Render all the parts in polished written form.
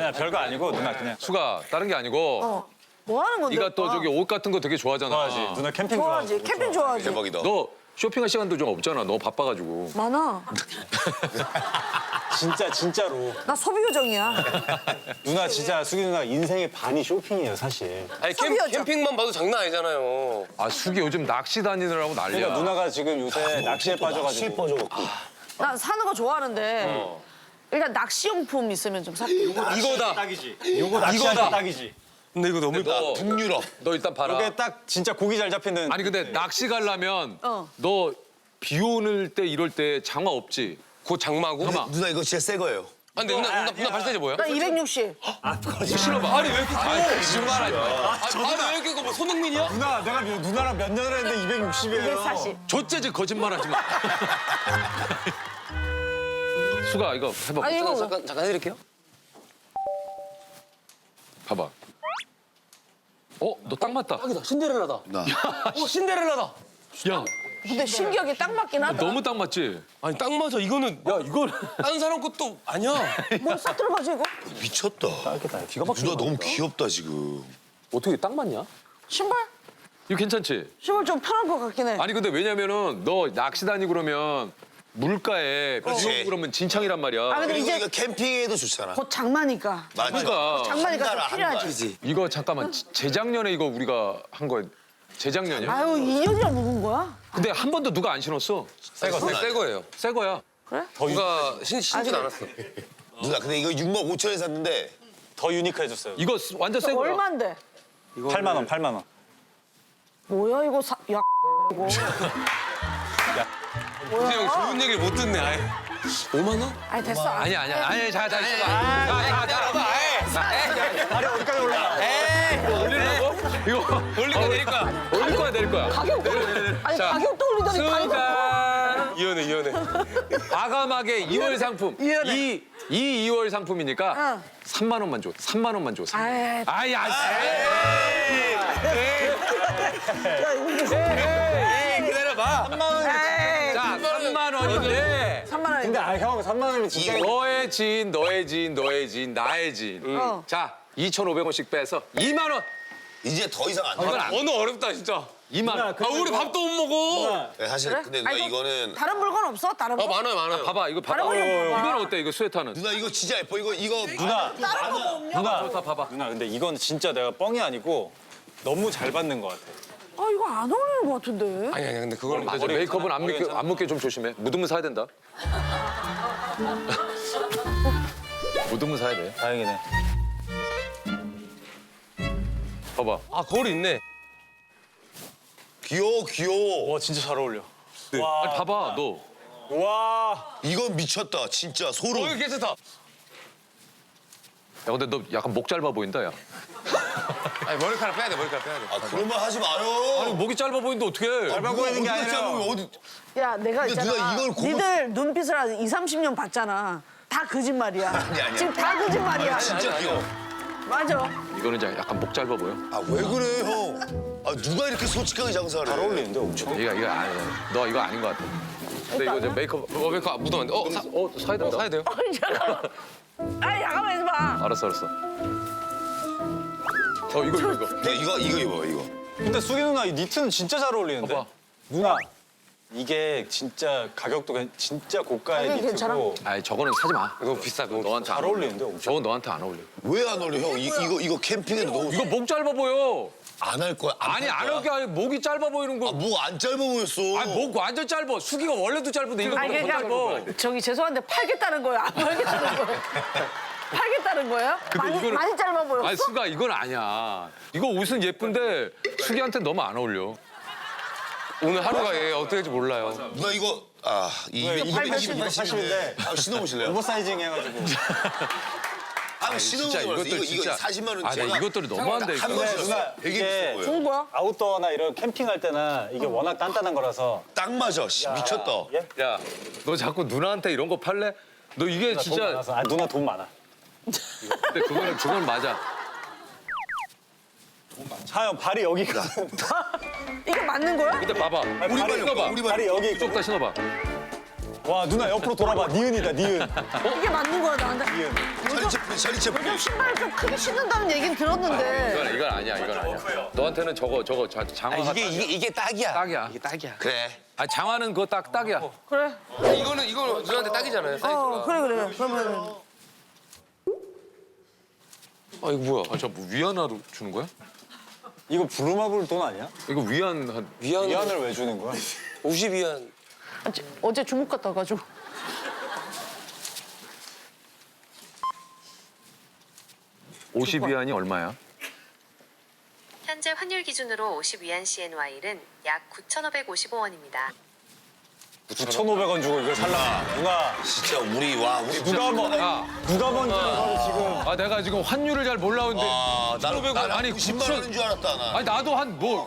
아니야 별거 아니고 누나 그냥 수가 다른 게 아니고 뭐 하는 건데? 네가 또 오빠? 저기 옷 같은 거 되게 좋아하잖아. 좋아하지. 누나 캠핑 좋아하지. 좋아하고. 캠핑 좋아하지. 대박이다. 너 쇼핑할 시간도 좀 없잖아. 너 바빠가지고. 많아. 진짜로. 나 소비 요정이야. 누나 진짜 수기 누나 인생의 반이 쇼핑이에요 사실. 아니 소비하죠. 캠핑만 봐도 장난 아니잖아요. 아 숙이 요즘 낚시 다니느라고 난리야. 그러니까 누나가 지금 요새 낚시에 빠져가지고. 난 사는 거 좋아하는데 일단 낚시용품 있으면 좀 살게. 이거다. 딱이지. 요거 낚시할 때 딱이지. 근데 이거 너무 너 북유럽. 너 일단 봐라. 이게 딱 진짜 고기 잘 잡히는. 아니 근데 낚시 가려면 어. 너 비 오는 때 이럴 때 장화 없지? 곧 장마고. 잠깐만. 누나 이거 진짜 새 거예요. 아 근데 누나 발사제 뭐야? 나 260. 신어봐. 아니 왜 이렇게 커? 거짓말하지 마. 아니 왜 이렇게 커? 뭐 손흥민이야? 누나 내가 누나랑 몇 년을 했는데 260이에요. 240. 좆재지 거짓말하지 마. 수가 이거 해봐. 아니 이거 잠깐 해드릴게요. 봐봐. 너 딱 맞다. 딱이다. 신데렐라다. 나. 신데렐라다. 야, 근데 신기하게 딱 맞긴 하다. 너무 딱 맞지? 아니 딱 맞아. 이거는 야 이걸 다른 사람 것도 아니야. 뭐 싹 들어가지 이거? 미쳤다. 기가 막히게. 누나 너무 귀엽다 지금. 어떻게 딱 맞냐? 신발? 이거 괜찮지? 신발 좀 편한 것 같긴 해. 아니 근데 왜냐면은 너 낚시 다니고 그러면 물가에 비 그렇지. 오고 그러면 진창이란 말이야. 아 근데 그리고 이제 이거 캠핑에도 좋잖아. 곧 장마니까. 맞아. 그러니까 장마니까 한 좀 달, 필요하지. 이거 잠깐만 재작년에 이거 우리가 한 거 재작년이야? 아유 2년이나 묵은 거야? 근데 한 번도 누가 안 신었어. 새 거예요. 새 거야. 누가 신진 않았어. 누나 근데 이거 6만 5천에 샀는데 더 유니크해졌어요. 이거 완전 새 거야. 얼마인데? 8만 원, 8만 원. 뭐야 이거 야 이거. 근데 형 좋은 얘기를 못 듣네. 아예. 5만 원? 아니 됐어. 아니 자 있어봐. 다리 어디까지 올라? 올리려고? 이거 올릴 거야 올릴 거야 내릴 거야. 가격도 아니 자, 가격도 올리더니 가격. 이혼해. 과감하게 2월 상품. 이해네. 이 2월 상품이니까 응. 3만 원만 줘. 3만 원만 줘. 아이, 아야. 기다려봐. 에이, 자, 3만 원인데 3만 원. 근데 형 3만 원이면 진짜. 너의 지인, 너의 지인, 너의 지인, 나의 지인. 자, 2,500원씩 빼서 2만 원. 이제 더 이상 안 돼. 이건 안 언어 어렵다 진짜. 2만 원. 아 우리 밥도 못 먹어. 네, 사실 그래? 근데 누나 아니, 이거는 다른 물건 없어? 다른 거? 많아요. 봐봐, 이거 봐봐. 다른 거 좀 봐봐. 이건 어때? 이거 스웨터는? 누나 이거 진짜 예뻐. 이거 누나, 다른 거 없냐? 누나, 좋다, 봐봐. 누나 근데 이건 진짜 내가 뻥이 아니고 너무 잘 받는 것 같아. 아 이거 안 어울리는 것 같은데. 아니 근데 그거는 근데 저 메이크업은 안 묻게 좀 조심해. 묻으면 사야 된다. 묻으면 사야 돼. 다행이네. 봐봐. 아 거울 있네. 귀여워. 와 진짜 잘 어울려. 아니, 봐봐, 너. 와. 이건 미쳤다. 진짜 소름. 이거 괜찮다. 야, 근데 너 약간 목 짧아 보인다, 야. 아니 머리카락 빼야 돼. 아 그런 말 하지 마요. 목이 짧아 보이는데 어떡해. 짧아 보이는 게 아니라. 짧으면 어디? 야 내가 근데 있잖아. 누나 이걸 고무- 니들 눈빛을 한 2, 30년 봤잖아. 다 거짓말이야. 아니야. 지금 다 거짓말이야. 진짜 귀여워. 맞아. 이거는 이제 약간 목 짧아 보여. 아 왜 그래 형? 아 누가 이렇게 솔직하게 장사를 해? 잘 어울리는데 엄청. 이거 아니야. 너 이거 아닌 것 같아. 근데 이거 이제 메이크업 메이크업 묻으면 안 돼. 사야 된다. 사야 돼요? 아니 잠깐만. 아니 잠깐만 있어봐. 알았어. 이거. 네, 이거 입어 이거. 근데 수기 누나 이 니트는 진짜 잘 어울리는데. 봐봐. 누나 이게 진짜 가격도 진짜 고가의 가격이 니트고 아이 저거는 사지 마. 이거 비싸. 그거 너한테 잘 안 어울리는데 엄청. 저건 너한테 안 어울려. 왜 안 어울려 형? 이거 캠핑에도 너무 이거 목 짧아 보여. 안 할 거야. 아니 안 할 게 아니라 목이 짧아 보이는 거. 뭐 안 짧아 보였어. 아니 목 완전 짧아. 수기가 원래도 짧은데 이거 아니 더 짧아. 그러니까 저기 죄송한데 팔겠다는 거예요? 안 팔겠다는 거예요? 팔겠다는 거예요? 많이 짧아 보였어? 아니 수가 이건 아니야. 이거 옷은 예쁜데 수기한테 너무 안 어울려. 오늘 하루가 얘 어떻게 될지 몰라요. 누나 이거 이거 280인데 신어보실래요? 오버사이징 해가지고. 진짜 신어보세요. 이것들 이거 진짜 40만 원. 아니 이것들이 너무한데 이거. 한번 누나 되게 이게 비싼 거예요. 좋은 거야? 아웃도어나 이런 캠핑할 때나 이게 워낙 단단한 거라서. 딱 맞아. 씨, 미쳤다. 예? 야, 너 자꾸 누나한테 이런 거 팔래? 너 이게 돈 진짜 많아서. 아 누나 돈 많아. 근데 그건 맞아. 하영 발이 여기가. 이게 맞는 거야? 근데 봐봐. 우리 발이 신어봐. 우리 발이 여기 쭉 다 신어봐. 와 누나 옆으로 돌아봐. 니은이다 니은. 이게 맞는 거야 나한테. 샤리 채플린. 요즘 신발 좀 크게 신는다는 얘기는 들었는데. 이건 아니야, 이건 아니야. 너한테는 저거 장화가 이게 딱이야. 딱이야. 이게 딱이야. 그래. 아, 장화는 그거 딱이야. 그래. 이거는 누나한테 딱이잖아요. 그래. 그러면 아 이거 뭐야? 아, 저뭐 위안화로 주는 거야? 이거 부루마블 돈 아니야? 이거 위안 위안을 왜 주는 거야? 50위안. 어제 중국 갔다 와가지고. 오십 위안이 얼마야? 현재 환율 기준으로 50위안 CNY는 약 9,555원입니다. 9,500원 주고 이걸 살라. 누가 진짜 우리 누가 먼저 이거를 지금. 아, 내가 지금 환율을 잘 몰라오는데. 나는 9,500원. 아니, 90만 원인 줄 알았다 나. 아니, 나도 한 뭐.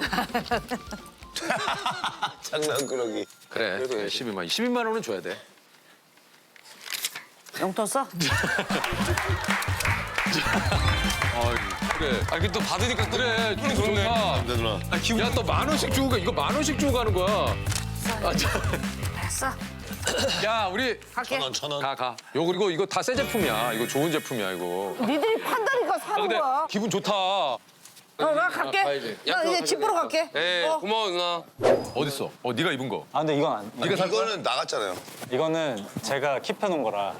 장난꾸러기. 그래, 12만 원은 줘야 돼. 용돈 써? 그래. 아 이게 또 받으니까 또 그래, 그러네. 좋다. 네 누나. 야, 또 10,000원씩 주고 가. 이거 10,000원씩 주고 가는 거야. 됐어. 야, 우리 갈게. 천 원. 가. 요 그리고 이거 다 새 제품이야. 이거 좋은 제품이야, 이거. 니들이 판다니까 사는 근데 거야. 기분 좋다. 나 갈게. 가야지. 나 이제 집 보러 갈게. 네 고마워 누나. 어딨어? 네가 입은 거. 아 근데 이건 안. 네가 산 거야? 이거는 나갔잖아요. 이거는 제가 킵해놓은 거라.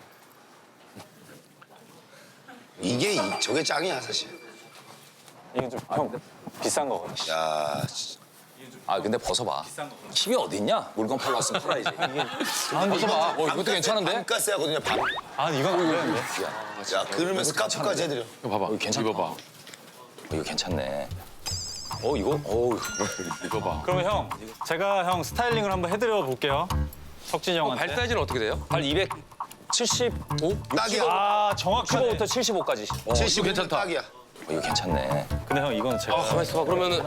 저게 짱이야 사실. 이게 좀 형 비싼 거거든. 야. 아 근데 벗어봐. 힙이 어딨냐? 물건 팔러 왔으면 팔아야지. 벗어봐. 이것도 괜찮은데? 밤가스야거든요 밤. 아 이건 안 되는데. 야 그러면 스카프까지 해드려. 이거 봐봐. 괜찮다. 입어봐. 이거 괜찮네. 이거? 이거 봐. 그러면 형 제가 형 스타일링을 한번 해드려 볼게요. 석진이 형한테. 발 사이즈는 어떻게 돼요? 발 275? 딱이야. 아 정확하네. 15부터 75까지. 75 괜찮다. 딱이야. 이거 괜찮네. 근데 형 이건 제가. 가만 있어. 그러면은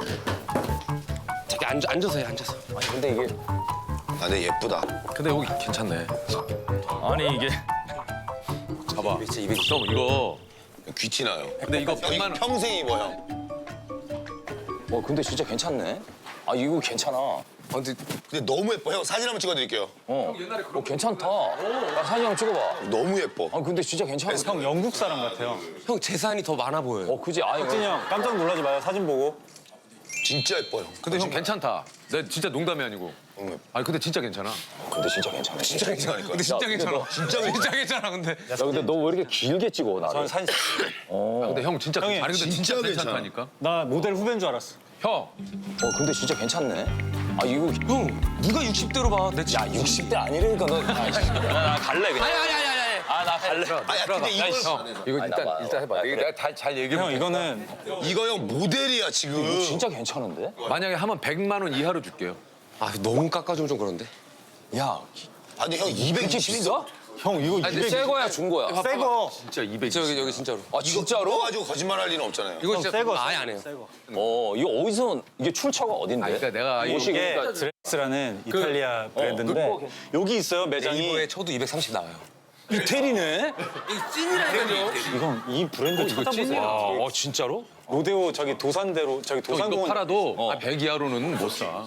저기 앉아서 해 앉아서. 아니 근데 이게 아 근데 예쁘다. 근데 여기 괜찮네. 아니 이게 봐봐. 형 이거. 귀티 나요. 근데 이거 형 이거 100만 원. 평생 입어 형. 근데 진짜 괜찮네. 아 이거 괜찮아. 근데 너무 예뻐. 형 사진 한번 찍어드릴게요. 괜찮다. 나 사진 한번 찍어봐. 너무 예뻐. 아 근데 진짜 괜찮아. 형 영국 사람 같아요. 형 재산이 더 많아 보여요. 그지? 아 이거 석진이 형 깜짝 놀라지 마요. 사진 보고. 진짜 예뻐 형. 근데 형 괜찮다. 내 진짜 농담이 아니고. 아니 근데 진짜 괜찮아. 근데 진짜 괜찮아. 진짜 괜찮으니까. 근데 진짜 괜찮아. 진짜 괜찮아 근데. 야 근데 너 왜 이렇게 길게 찍어 나를? 저는 사진. 아, 근데 형 진짜 형이 아니 근데 진짜 진짜 괜찮아. 괜찮다니까. 나 모델 후배인 줄 알았어. 형. 근데 진짜 괜찮네. 아 이거 형 네가 60대로 봐. 내 야 60대 아니라니까 너. 나 갈래 그냥. 아니. 나 갈래. 아야 근데 이거 이거 아니, 나 봐. 일단 해봐. 이거 내가 잘 얘기해 형 볼게. 이거는 이거 형 모델이야 지금. 진짜 괜찮은데? 만약에 하면 100만 원 이하로 줄게요. 아 너무 깎아주면 좀 그런데. 야 아니 형 이게 220이 비싸? 형 이거 아니, 근데 200. 새 거야 준 거야? 새 거. 진짜 200. 여기 진짜로. 아 진짜로? 가지고 거짓말할 리는 없잖아요. 이거 형, 진짜 새 거. 아예 안 해요. 새 거. 이거 어디서 이게 출처가 어딘데? 그러니까 내가 옷이 이게 그러니까 드렉스라는 이탈리아 브랜드인데 여기 있어요 매장이. 네이버에 쳐도 230 나와요. 이태리네? 찐이라니까요. 이건 이 브랜드 찾아보세요. 진짜로? 로데오 저기 도산대로 저기 이거 도산공원. 팔아도 100 이하로는 못 사.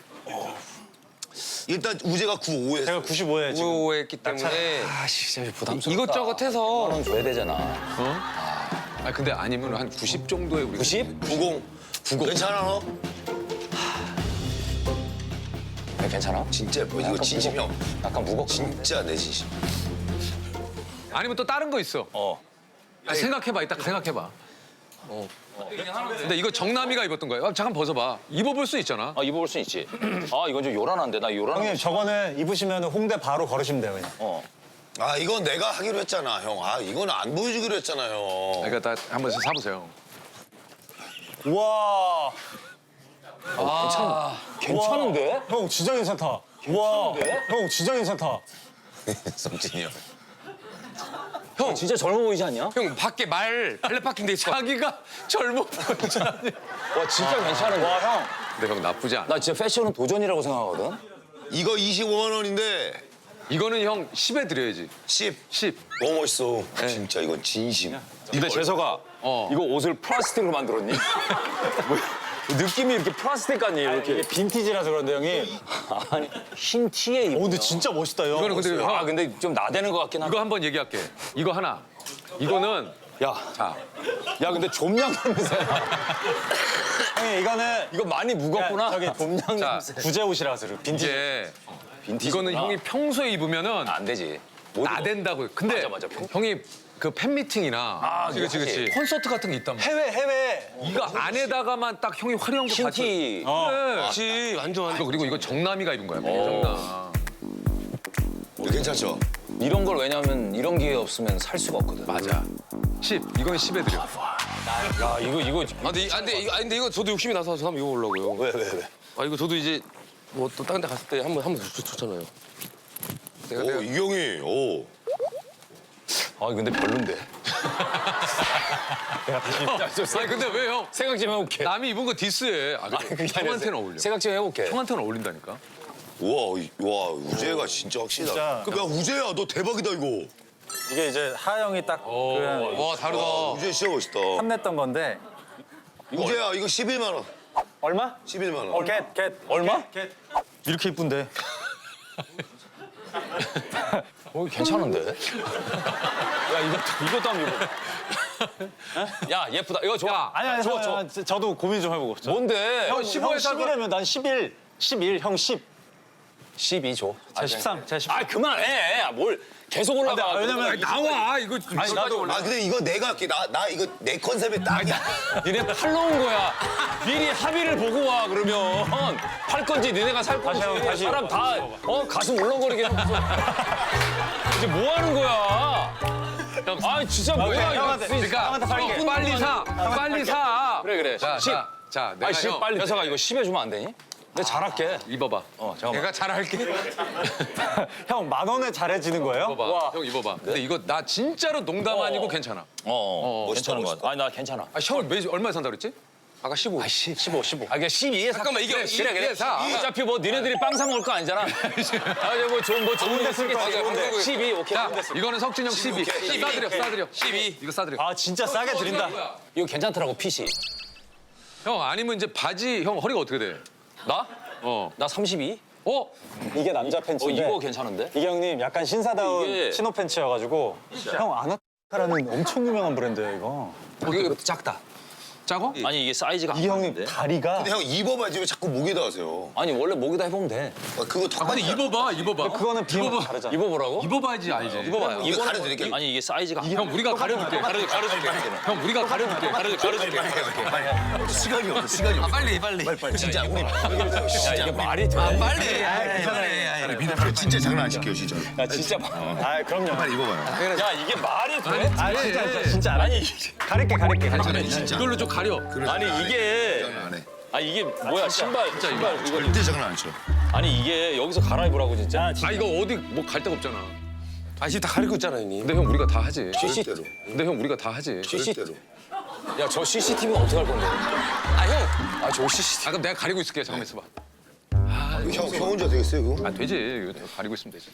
일단 우재가 95 했어. 제가 95에 지금. 구호했기 때문에 아 진짜 부담스럽다. 이것저것 해서 원 줘야 되잖아. 아 근데 아니면 한 90 정도에 우리 90? 90. 괜찮아 너? 괜찮아? 진짜 예뻐. 이거 진심 형. 약간 무겁고. 진짜 내 진심. 아니면 또 다른 거 있어. 생각해봐. 이따 생각해봐. 근데 이거 정남이가 입었던 거예요. 잠깐 벗어봐. 입어볼 수 있잖아. 입어볼 수 있지. 이건 좀 요란한데 나 요란한 형님 저거는 입으시면 홍대 바로 걸으시면 돼요 그냥. 아 이건 내가 하기로 했잖아 형. 아 이건 안 보여주기로 했잖아요. 그러니까 다 한번 사보세요. 우와. 괜찮은데? 형 진짜 괜찮다. 우와. 형 진짜 괜찮다. 성진이 형. 형 진짜 젊어 보이지 않냐? 형 밖에 발레 파킹 돼 있어. 자기가 젊어 보이잖아. 와 진짜 괜찮은데? 와 형. 근데 형 나쁘지 않아. 나 진짜 패션은 도전이라고 생각하거든. 이거 25만 원인데 이거는 형 10에 드려야지. 10. 10. 너무 멋있어. 진짜 이건 진심. 근데 재석아, 어. 이거 옷을 플라스틱으로 만들었니? 느낌이 이렇게 플라스틱 같니 이렇게. 이게 빈티지라서 그런데 형이. 아니 흰 티에 입. 근데 진짜 멋있다 형. 이거는 근데 형, 아 근데 좀 나대는 것 같긴 이거 하다. 한번 얘기할게. 이거 하나. 이거는 야, 자 야 근데 좀양 냄새야. 형이 이거는 이거 많이 무겁구나. 저기 봄양 자, 냄새. 구제 옷이라서 빈티지. 이제 빈티지. 이거는 형이 평소에 입으면은 안 되지. 못 입어. 나댄다고. 근데 맞아. 형이 그 팬미팅이나 그치. 콘서트 같은 게 있단 말이야. 해외. 이거 안에다가만 딱 형이 화려한 거 흰 받쳐. 티. 그래. 그렇지 완전 이거 그리고 이거 정남이가 입은 거야. 정남. 괜찮죠? 이런 걸 왜냐면 이런 기회 없으면 살 수가 없거든. 맞아. 10. 이건 10에 드려. 야 이거 근데 이거 저도 욕심이 나서 저 한번 입어보려고요. 왜? 아 이거 저도 이제 뭐 또 다른 데 갔을 때 한번 좋잖아요. 오, 이경이, 오. 아 근데 별론데. 아니 근데 왜 형? 생각 좀 해볼게. 남이 입은 거 디스해. 아, 형한테는 어울려. 생각 좀 해볼게. 형한테는 어울린다니까. 와, 우재가 진짜 확실하다. 진짜. 야, 우재야, 너 대박이다, 이거. 이게 이제 하영이 딱 그 와 다르다. 우재 진짜 멋있다. 탐냈던 건데. 우재야, 이거 11만 원. 얼마? 11만 원. 겟. 얼마? 겟. 이렇게 이쁜데. 괜찮은데? 야 이것도 한번 입어. 야 예쁘다. 이거 좋아. 아니 좋아. 저도 고민 좀 해보고. 뭔데? 형 15에 11이면 난 11, 형 10. 12 줘. 제가 13, 제가 13. 아 그만해. 뭘 계속 올라가. 근데 왜냐면 나와 이거. 아니 나도 아, 근데 이거 내가 할게. 나 이거 내 컨셉에 딱이야. 니네 팔러 온 거야. 미리 합의를 보고 와 그러면 팔 건지 니네가 살 건지 다시 한번, 다시. 사람 다 가슴 울렁거리게 하면서 이제 뭐 하는 거야? 아 진짜 뭐야 이거. 형한테, 그러니까 형한테 팔게. 빨리 사. 그래. 자, 10. 자, 내가 아니 10 형 빨리. 녀석아 이거 10에 주면 안 되니? 내가 잘할게. 입어봐. 잠깐만. 내가 잘할게. 형 10,000원에 잘해지는 거예요? 입어봐. 형 입어봐. 근데 이거 나 진짜로 농담 아니고 괜찮아. 괜찮은 거 같아. 아니 나 괜찮아. 아, 형 얼마에 산다 그랬지? 아까 15. 아 15. 아 그냥 12에 잠깐만 이게 그래, 사. 어차피 뭐 니네들이 빵 사 먹을 거 아니잖아. 뭐 좋은 데 쓸 거야. 한국에. 12 오케이. 자, 이거는 석진형 12. 싸드려. 12. 이거 싸드려. 아 진짜 싸게 드린다. 이거 괜찮더라고 핏이. 형 아니면 이제 바지 형 허리가 어떻게 돼? 나? 어. 나 32? 어? 이게 남자 팬츠인데 이거 괜찮은데? 이게 형님 약간 신사다운 이게- 신호 팬츠여가지고 형 아나카라는 엄청 유명한 브랜드예요 이거. 이거 작다. 작어? 아니 이게 사이즈가 이게 안 형님 맞는데? 다리가 근데 형 입어봐야지 왜 자꾸 목에다 하세요? 아니 원래 목에다 해보면 돼. 아, 그거 다 근데 입어봐. 그거는 비용 다르잖아. 입어보라고? 입어봐야지 알지. 입어봐요. 이거 가려드릴게요. 아니 이게 사이즈가 형 우리가 가려줄게. 가려줄게. 형 우리가 가려줄게. 가려줄게. 시간이 없어, 시간이 없어. 빨리. 진짜 우리 야 이게 말이 돼? 빨리. 진짜 장난 안 시켜요, 진짜. 야 진짜 아 그럼요. 빨리 입어봐요. 야 이게 말이 돼? 아 진짜 아니 가릴게. 진짜. 이걸로 좀 가려. 아니 이게 장난 안 해. 이게 뭐야 신발 이거 절대 장난 안 쳐. 아니 이게 여기서 갈아입으라고 진짜. 아 이거 어디 뭐 갈 데가 없잖아. 아 지금 다 가리고 있잖아 형님. 근데 형 우리가 다 하지. 절대로. 근데 형 우리가 다 하지. 절대로. 야저 CCTV는 어떻게 할 건데? 저 CCTV. 아 그럼 내가 가리고 있을게. 잠깐만 있어봐. 형 혼자 되겠어요, 그거? 아 되지. 이거 가리고 있으면 되지.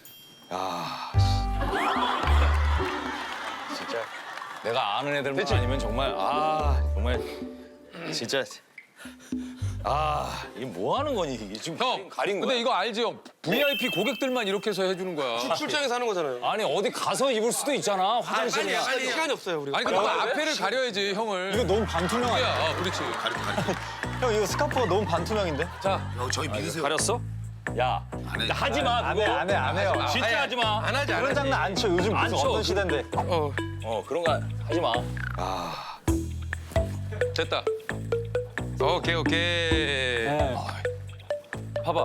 진짜 내가 아는 애들만 아니면 정말 정말 진짜 이게 뭐 하는 거니 이게 지금 형 가린 거야? 근데 이거 알지 형? VIP 고객들만 이렇게 해서 해주는 거야. 출장에서 하는 거잖아요. 아니 어디 가서 입을 수도 있잖아 화장실이나. 시간이 없어요 우리. 아니 근데 그 앞에를 가려야지 형을. 이거 너무 반투명 아니야? 야, 그렇지. 형 이거 스카프가 너무 반투명인데? 형, 저희 믿으세요. 가렸어? 야 하지 마 안 그거. 해요. 진짜 하지 마. 안 하지 안 그런 하지. 장난 안 쳐. 요즘 안 무슨 쳐. 어떤 시대인데. 그런 거 하지 마. 됐다. 오케이. 네. 봐봐.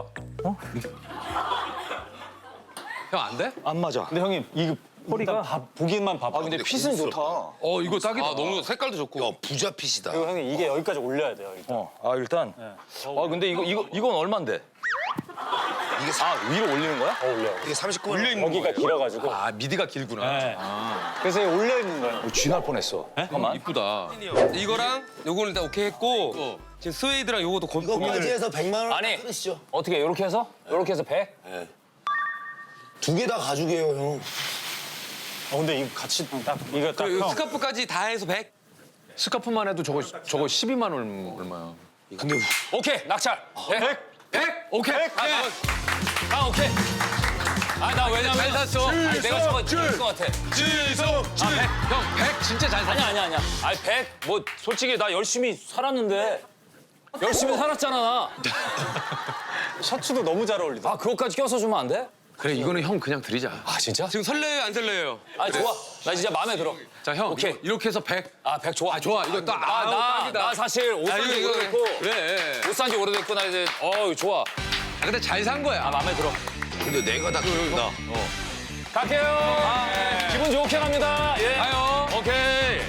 형 안 돼? 안 맞아. 근데 형님 이거 허리가 보기만 봐봐. 근데 핏은 좋다. 이거 딱이다. 아 너무 색깔도 좋고. 야, 부자핏이다. 그리고 형님 이게 여기까지 올려야 돼요. 일단. 일단. 근데 이건 얼만데? 이게, 위로 올리는 거야? 올려. 이게 39만 원. 여기가 길어가지고. 아 미디가 길구나. 네. 그래서 이게 올려 있는 거예요. 쥐날 뻔했어. 잠깐만. 이쁘다. 이거랑 요거는 일단 오케이 했고 지금 스웨이드랑 요것도 이거 고민을. 바지에서 100만 원 아니. 끊으시죠. 어떻게 이렇게 해서? 이렇게 해서 100? 두 개 다 가죽이에요, 형. 근데 이거 같이 딱 이거 딱 그 형. 스카프까지 다 해서 100? 스카프만 해도 저거 12만 원 얼마야? 근데 오케이, 낙찰. 100. 100? 오케이. 오케이. 나 왜냐면. 잘 샀어. 아니, 내가 저거 줄것 같아. 지성, 형, 100 진짜 잘 샀어. 아니야. 아니, 100. 뭐, 솔직히 나 열심히 살았는데. 열심히 살았잖아, 나. 셔츠도 너무 잘 어울리다. 아, 그것까지 껴서 주면 안 돼? 그래, 이거는 형 그냥 드리자. 아, 진짜? 지금 설레요 안 설레요? 아, 좋아. 나 진짜 마음에 들어. 자, 형. 오케이. 이렇게 해서 100. 아, 100 좋아. 좋아, 이거 딱. 아우, 딱이다. 나 사실 옷 산지 이거, 오래됐고. 그래. 옷 산지 오래됐고, 나 이제, 좋아. 아, 근데 잘 산 거야. 아, 마음에 들어. 근데 내가 다 그런다. 갈게요. 기분 좋게 갑니다. 예. 가요. 오케이.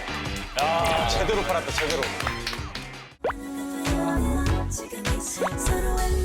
제대로 팔았다, 제대로. 지금 이 서로의